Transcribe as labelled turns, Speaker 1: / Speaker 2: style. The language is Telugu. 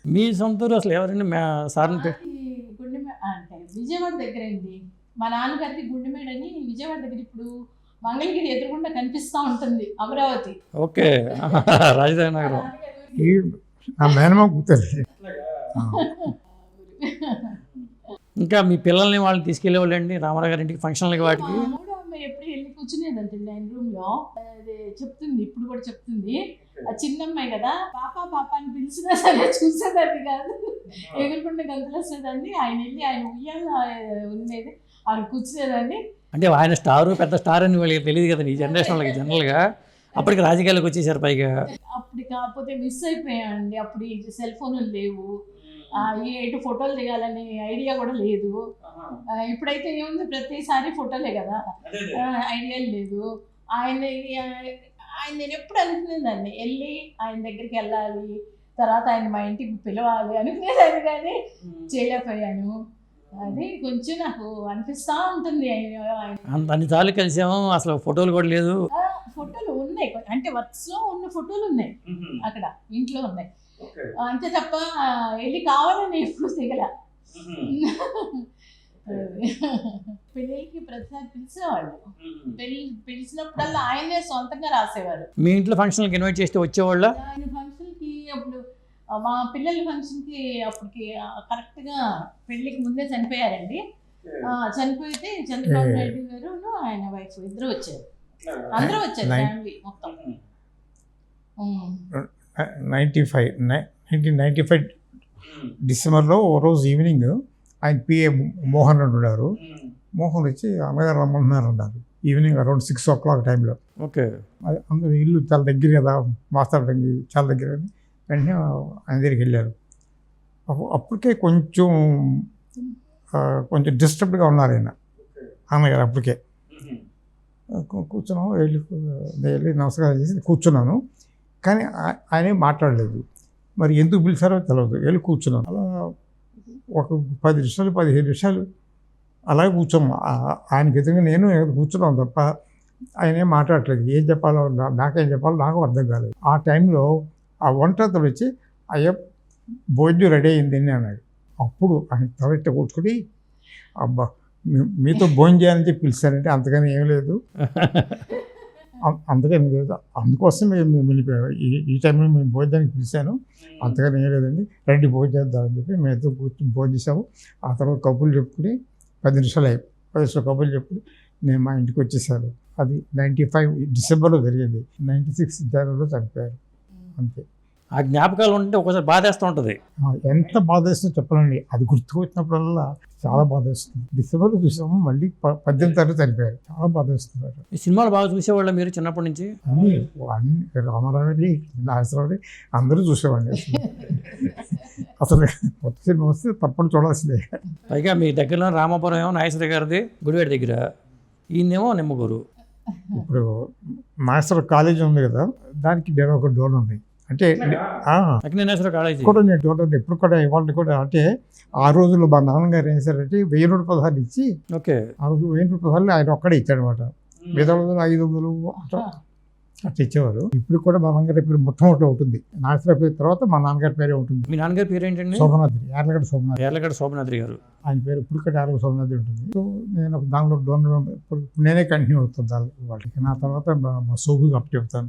Speaker 1: మీ సొంత ఊరు అసలు ఎవరండి సార్ని
Speaker 2: గుండెమే అంటే విజయవాడ దగ్గర అండి. మా నాన్నగారికి గుండెమేడ అని విజయవాడ దగ్గర ఇప్పుడు మంగళగిరి ఎదురుగుండా కనిపిస్తూ ఉంటుంది అమరావతి.
Speaker 1: ఓకే. రాజధాని నగరం.
Speaker 3: ఈ నా మేనమామ కూతురు.
Speaker 1: ఇంకా మీ పిల్లల్ని వాళ్ళని తీసుకెళ్ళేవాళ్ళండి రామారావు గారి ఇంటికి ఫంక్షన్లకి వాటికి?
Speaker 2: మూడో అమ్మాయి ఎప్పుడు వెళ్ళి కూర్చునేదంటే ఆయన రూమ్లో అదే చెప్తుంది, ఇప్పుడు కూడా చెప్తుంది. ఆ చిన్న అమ్మాయి కదా, పాప పాప అని పిలిచినా సరే చూసేదాన్ని కాదు, ఎగురుకుంటే గంతులు వస్తుందండి. ఆయన వెళ్ళి ఆయన ఉయ్యాల ఉండేది, ఆయన కూర్చునేదాన్ని.
Speaker 1: అంటే ఆయన స్టారు, పెద్ద స్టార్ అని వాళ్ళకి తెలియదు కదా ఈ జనరేషన్ వాళ్ళకి. జనరల్గా అప్పటికి రాజకీయాలకు వచ్చేసారు పైగా.
Speaker 2: అప్పుడు కాకపోతే మిస్ అయిపోయామండి. అప్పుడు ఈ సెల్ ఫోన్లు లేవు, ఎటు ఫోటోలు దిగాలని ఐడియా కూడా లేదు. ఇప్పుడైతే ఏముంది, ప్రతిసారి ఫోటోలే కదా, ఐడియాలు లేదు. ఆయన నేను ఎప్పుడు అనుకునేదాన్ని వెళ్ళి ఆయన దగ్గరికి వెళ్ళాలి, తర్వాత ఆయన మా ఇంటికి పిలవాలి అనుకునేదాన్ని, కానీ చేయలేకపోయాను. అది కొంచెం నాకు అనిపిస్తూ ఉంటుంది.
Speaker 1: అన్నిసార్లు కలిసాము, అసలు ఫోటోలు కూడా లేదు.
Speaker 2: ఫోటోలు ఉన్నాయి అంటే వర్క్స్లో ఉన్న ఫోటోలు ఉన్నాయి, అక్కడ ఇంట్లో ఉన్నాయి, అంతే తప్ప వెళ్ళి కావాలని ఎప్పుడు దిగల. పెళ్ళికి ప్రతిసారి పిలిచేవాళ్ళు, పిలిచినప్పుడల్లా ఆయనే సొంతంగా రాసేవారు.
Speaker 1: మీ ఇంట్లో ఫంక్షన్కి ఇన్వైట్ చేస్తే వచ్చేవాళ్ళ?
Speaker 2: ఆయన ఫంక్షన్కి అప్పుడు మా పిల్లల ఫంక్షన్కి అప్పటికి కరెక్ట్గా పెళ్ళికి ముందే చనిపోయారండి. చనిపోతే చంద్రబాబు నాయుడు గారు ఆయన వైఫ్ ఇద్దరు వచ్చారు, అందరూ వచ్చారు ఫ్యామిలీ మొత్తం.
Speaker 3: 1995 డిసెంబర్లో ఓ రోజు ఈవినింగ్ ఆయన పిఏ మోహన్ రెడ్డి ఉన్నారు. మోహన్ వచ్చి అమ్మగారు రమ్మంటున్నారు అన్నారు ఈవినింగ్ అరౌండ్ 6 o'clock టైంలో.
Speaker 1: ఓకే.
Speaker 3: అందరూ ఇల్లు చాలా దగ్గర కదా, మాట్లాడడానికి చాలా దగ్గర అని వెంటనే ఆయన దగ్గరికి వెళ్ళారు. అప్పటికే కొంచెం డిస్టర్బ్డ్గా ఉన్నారు ఆయన అమ్మగారు. అప్పటికే కూర్చున్నాము, వెళ్ళి నమస్కారం చేసి కూర్చున్నాను, కానీ ఆయనే మాట్లాడలేదు. మరి ఎందుకు పిలిచారో తెలియదు. వెళ్ళి కూర్చున్నాను. అలా ఒక 10 నిమిషాలు 15 నిమిషాలు అలాగే కూర్చోము. ఆయనకి ఎదురుగా నేను కూర్చున్నాను తప్ప ఆయన ఏం మాట్లాడలేదు. ఏం చెప్పాలో నాకేం చెప్పాలో నాకు అర్థం కాలేదు. ఆ టైంలో ఆ వంటతలు వచ్చి అయ్యో భోజనం రెడీ అయింది అని అన్నాడు. అప్పుడు ఆయన తలెట్ట కూర్చుని, అబ్బా మీతో భోజనం చేయాలని చెప్పి పిలిచారంటే అంతగానే ఏం లేదు, అంతగానే లేదు, అందుకోసం మేము వెళ్ళిపోయాము. ఈ టైంలో మేము భోజనానికి పిలిచాను, అంతగానే ఏం లేదండి, రండి భోజనం చేద్దామని చెప్పి మేమైతే కూర్చొని భోజనం చేసాము. ఆ తర్వాత కబుర్లు చెప్పుకుని 10 నిమిషాలు కబుర్లు చెప్పుకుని నేను మా ఇంటికి వచ్చేసాను. అది 95 డిసెంబర్లో జరిగింది. 96 జనవరిలో చనిపోయారు. అంతే.
Speaker 1: ఆ జ్ఞాపకాలు ఉంటే ఒకసారి బాధేస్తూ ఉంటుంది.
Speaker 3: ఎంత బాధేస్తుందో చెప్పాలండి. అది గుర్తుకొచ్చినప్పుడల్లా చాలా బాధేస్తుంది. డిసెంబర్లో చూసాము, మళ్ళీ 18 తారీఖు చనిపోయారు. చాలా బాధేస్తున్నారు.
Speaker 1: ఈ సినిమాలు బాగా చూసేవాళ్ళ మీరు చిన్నప్పటి నుంచి?
Speaker 3: అన్ని రామారావు, నాగేశ్వరరావు అందరూ చూసేవాడిని. అసలు కొత్త సినిమా వస్తే తప్పని చూడాల్సిందే.
Speaker 1: పైగా మీ దగ్గరలో రామాపురం ఏమో నాగేశ్వర గారిది గుడివాడ దగ్గర, ఈయనేమో నిమ్మగూరు.
Speaker 3: ఇప్పుడు నాగేశ్వర కాలేజీ ఉంది కదా, దానికి ఒక డోర్ ఉంది. అంటే
Speaker 1: అక్కినేశ్వర కాలేజీ
Speaker 3: కూడా నేను డోర్ ఉంది ఇప్పుడు కూడా, ఇవాళ కూడా. అంటే ఆ రోజుల్లో మా నాన్నగారు ఏం చేశారంటే 1000 రూపాయలు ఇచ్చి,
Speaker 1: ఓకే,
Speaker 3: ఆ రోజు 1000 రూపాయలు ఆయన ఒక్కడే ఇచ్చాడు అనమాట. 500 అట్లా ఇచ్చేవారు. ఇప్పుడు కూడా మా నాన్నగారి పేరు మొట్టమొదటి ఉంటుంది, నాగేశ్వర పేరు తర్వాత మా నాన్నగారి పేరే ఉంటుంది.
Speaker 1: మీ నాన్నగారి పేరు ఏంటండి?
Speaker 3: శోభనాద్రి,
Speaker 1: యార్లగడ్డ శోభనాద్రి గారు.
Speaker 3: ఆయన పేరు ఇప్పుడు కూడా యార్లగడ్డ శోభనాద్రి ఉంటుంది. సో నేను దానిలో డోనర్ నేనే కంటిన్యూ అవుతుంది వాళ్ళకి. నా తర్వాత మా సోబుకి అప్డేట్ అవుతాను.